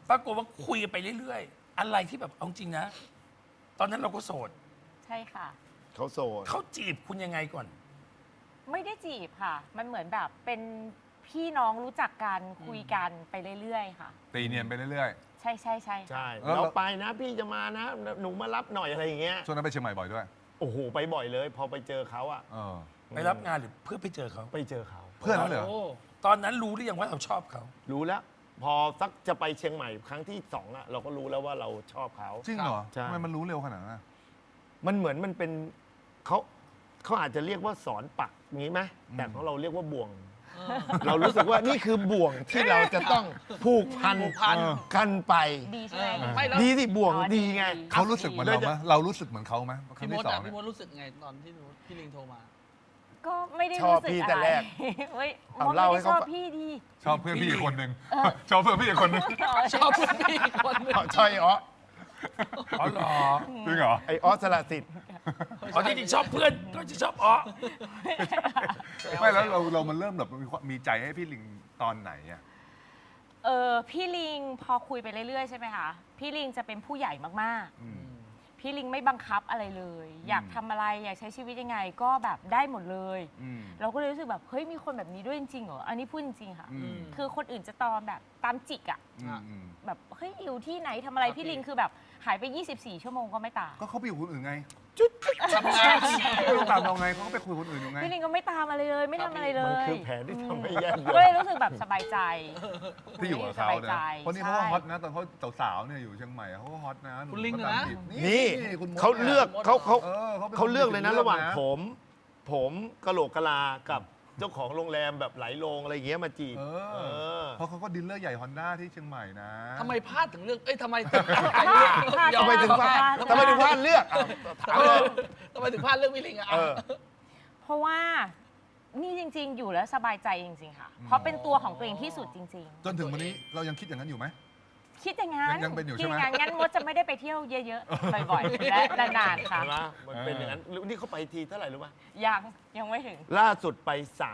ปรากฏว่าคุยกันไปเรื่อยๆ อะไรที่แบบเอาจริงนะ ตอนนั้นเราก็โสดใช่ค่ะเขาโสดเขาจีบคุณยังไงก่อนไม่ได้จีบค่ะ มันเหมือนแบบเป็นพี่น้องรู้จักกันคุยกันไปเรื่อยๆค่ะตีเนียนไปเรื่อยใช่ใช่ใช่ค่ะใช่แล้วเราไปนะพี่จะมานะ หนูมารับหน่อยอะไรอย่างเงี้ยๆช่วงนั้นไปเชียงใหม่บ่อยด้วยโอ้โหไปบ่อยเลย พอไปเจอเขาอะเออไปรับงานหรือเพื่อไปเจอเขาไปเจอเขาเพื่อนแล้วเหรอโอ้ตอนนั้นรู้หรือยังว่าเราชอบเขารู้แล้ว พอสักจะไปเชียงใหม่ครั้งที่สองอะเราก็รู้แล้วว่าเราชอบเขาจริงเหรอใช่ทำไมมันรู้เร็วขนาดนั้นอะมันเหมือนมันเป็นเขาอาจจะเรียกว่าสอนปักงี้ไหมแต่ของเราเรียกว่าบ่วง เรารู้สึกว่านี่คือบ่วงที่เราจะต้องผูกพันกันไปดีใช่ไหมไม่แล้วดีสิบ่วงอ๋อดีไงเขารู้สึกเหมือนเราไหมเรารู้สึกเหมือนเขาไหมครั้พี่งมที่ดสองอ่ะเนี่พี่ยมดรู้สึกไงตอนที่พี่ลิงโทรมาก็ไม่ได้ชอบรู้สึกพี่อะแต่ไรแรกเฮ้ยเอามดเล่าไม่ให้ได้เขาชอบฟังพี่ดีชอบเพื่อนพี่อีกคนนึงชอบเพื่อนพี่อีกคนนึงชอบเพื่อนพี่อีกคนหนึงใช่อ๋ออ๋อเหรอจริงเหรอไอออสละสิทธิ์อ๋อที่จริงชอบเพื่อนก็จะชอบอ๋อไม่แล้วเรามันเริ่มแบบมีใจให้พี่ลิงตอนไหนอะพี่ลิงพอคุยไปเรื่อยๆใช่ไหมคะพี่ลิงจะเป็นผู้ใหญ่มากอืมๆ พี่ลิงไม่บังคับอะไรเลย อยากทำอะไรอยากใช้ชีวิตยังไงก็แบบได้หมดเลยอืมเราก็เลยรู้สึกแบบเฮ้ยมีคนแบบนี้ด้วยจริงๆเหรออันนี้พูดจริงๆค่ะอืมคือคนอื่นจะตอนแบบตามจิกอะอืมแบบเฮ้ยอยู่ที่ไหนทำอะไรพี่ลิงคือแบบหายไป 24 ชั่วโมงก็ไม่ตามก็เขาไปอยู่คนอื่นไงทำงานไม่ต้องตามเราไงเขาก็ไปคุยคนอื่นอยู่ไงพี่ลิงก็ไม่ตามอะไรเลย ไม่ทำอะไรเลมันยคือแผนที่ทำให้แย่ก็เลยรู้สึกแบบสบายใจที่อยู่กับเขาสบายนะใจคนนี้เขาก็ฮอตนะตอนเขาสาวๆเนี่ยอยู่เชียงใหม่เขาก็ฮอตนะคุณลิงเขานะตามจีบนี่คุณมดเขาเลือกนี่ยเขาเลือกเลยนะระหว่างนะผมกะโหลกกะลากับเจ้าของโรงแรมแบบไหลลงอะไรอย่างเงี้ยมาจีบเออเพราะเขาก็ดีลเลอร์ใหญ่ฮอนด้าที่เชียงใหม่นะทำไมพลาดถึงเรื่องเอ้ยทำไมทำไมถึงพลาดทำไมถึงพลาดเลือกอ่ะถามเลยทำไมถึงพลาดเรื่องพี่ลิงอ่ะเออเพราะว่านี่จริง ๆ อยู่แล้วสบายใจจริงๆค่ะ เพราะเป็นตัวของตัวเองที่สุดจริงจนถึงวันนี้เรายังคิดอย่างนั้นอยู่ไหมๆ คิดอย่างนั้นยังเป็นอยู่ใช่ไหมคิดางงั้นมดจะไม่ได้ไปเที่ยวเยอะๆ บ่อยๆ และนานๆค่ะเห็นไหมมันเป็นอย่างนั้นนี่เขาไปทีเท่าไหร่รู้ไหมยังไม่ถึงล่าสุดไป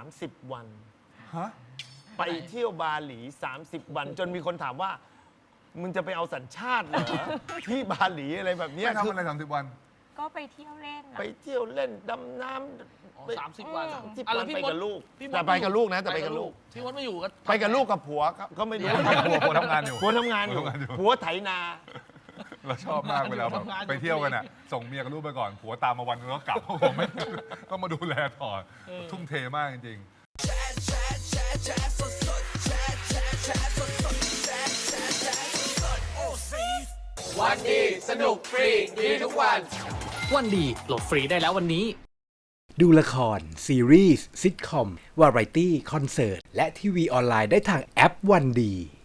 30 วันฮะไปเที่ยวบาหลี 30 วัน จนมีคนถามว่า มึงจะไปเอาสัญชาติเหรอ ที่บาหลีอะไรแบบเนี้ยไม่ทำคืออะไร30 วันก็ไปเที่ยวเล่นน่ะไปเที่ยวเล่นดำน้อ๋อำ 30 วันที่อ่ะแล้วไปพี่มดกับลูกพี่มดแต่ไปกับลูกนะแต่ไปกับลูกพี่มดไม่อยู่ก็ไปกับลูกกับผัวก็ไม่รู้ผัวทำงานอยู่ผัวทำงานอยู่ผัวทำงานอยู่ผัวไถนาเราชอบมากเวลาแบบไปเที่ยวกันอ่ะส่งเมียกับลูกไปก่อนผัวตามมาวันนึงแล้วกลับ ผมไม่ต้องมาดูแลต่อทุ่มเทมากจริงๆวันดีสนุกฟรีดีทุกวันวันดีโหลดฟรีได้แล้ววันนี้ดูละคร ซีรีส์ซิทคอม วาไรตี้ คอนเสิร์ต และทีวีออนไลน์ได้ทางแอปวันดี